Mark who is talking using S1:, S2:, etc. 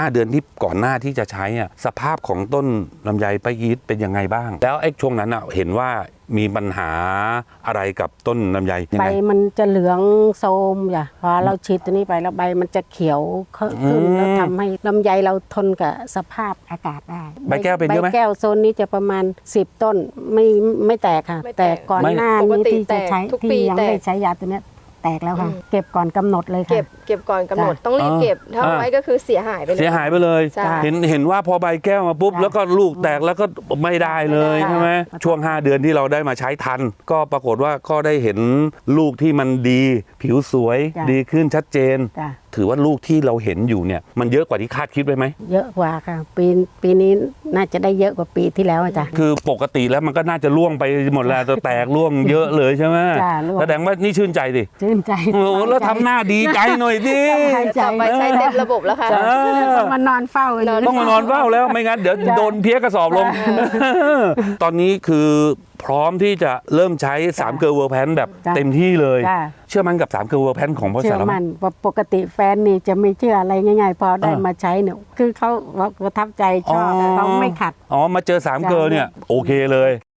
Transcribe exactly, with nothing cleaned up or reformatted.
S1: ห้าเดือนที่ก่อนหน้าที่จะใช้อ่ะสภาพของต้นลำไยป้าอีทเป็นยังไงบ้างแล้วไอ้ช่วงนั้นอ่ะเห็นว่ามีปัญหาอะไรกับต้นลำไย
S2: ใบมันจะเหลืองโทรมอย่าพอเราฉีดตัวนี้ไปแล้วใบมันจะเขียวขึ้นแล้วทำให้ลำไยเราทนกับสภาพอากาศได้
S1: ใบแก้วเป็นเยอะไหม
S2: ใบแก้วโซนนี้จะประมาณสิบต้นไม่ไม่แตกค่ะแต่ก่อนหน้านี้ที่จะใช้ที่ยังไม่ได้ใช้ยาตัวนี้แตกแล้วค่ะเก็บก่อนกำหนดเลยค่ะ
S3: เก็บเก็บก่อนกำหนดต้องรีบเก็บถ้าไว้ก็คือเสียหายไปเลย
S1: เสียหายไปเลยเห็นเห็นว่าพอใบแก้วมาปุ๊บแล้วก็ลูกแตกแล้วก็ไม่ได้เลยใช่ไหมช่วงห้าเดือนที่เราได้มาใช้ทันก็ปรากฏว่าก็ได้เห็นลูกที่มันดีผิวสวยดีขึ้นชัดเจนถือว่าลูกที่เราเห็นอยู่เนี่ยมันเยอะกว่าที่คาดคิดไว้ไหม
S2: เยอะกว่าค่ะปีปีนี้น่าจะได้เยอะกว่าปีที่แล้วอาจารย์
S1: คือปกติแล้วมันก็น่าจะร่วงไปหมดแล้วจะแตกร่วงเยอะเลยใช่ไหมแสดงว่านี่ชื่นใจดิ
S2: ชื่นใจ
S1: โอ้แล้วทำหน้าดีใจหน่อยดิ
S3: ต่อไปใช้เต็มระบบแล้วค่ะ
S2: ต้องมานอนเฝ้า
S1: ต้องมานอนเฝ้าแล้วไม่งั้นเดี๋ยวโดนเพี้ยกระสอบลงตอนนี้คือพร้อมที่จะเริ่มใช้สามเกลือเวอร์แพนแบบเต็มที่เลยเชื่อมั่นกับสามเกลือเวอร์แพนของบริษัทเรา
S2: เชื่อมั่นปกติแฟนนี่จะไม่เชื่ออะไรง่ายๆพอได้มาใช้เนี่ยคือเขาประทับใจชอบเขาไม่ขัด
S1: อ๋อมาเจอสามเกลือเนี่ยโอเคเลย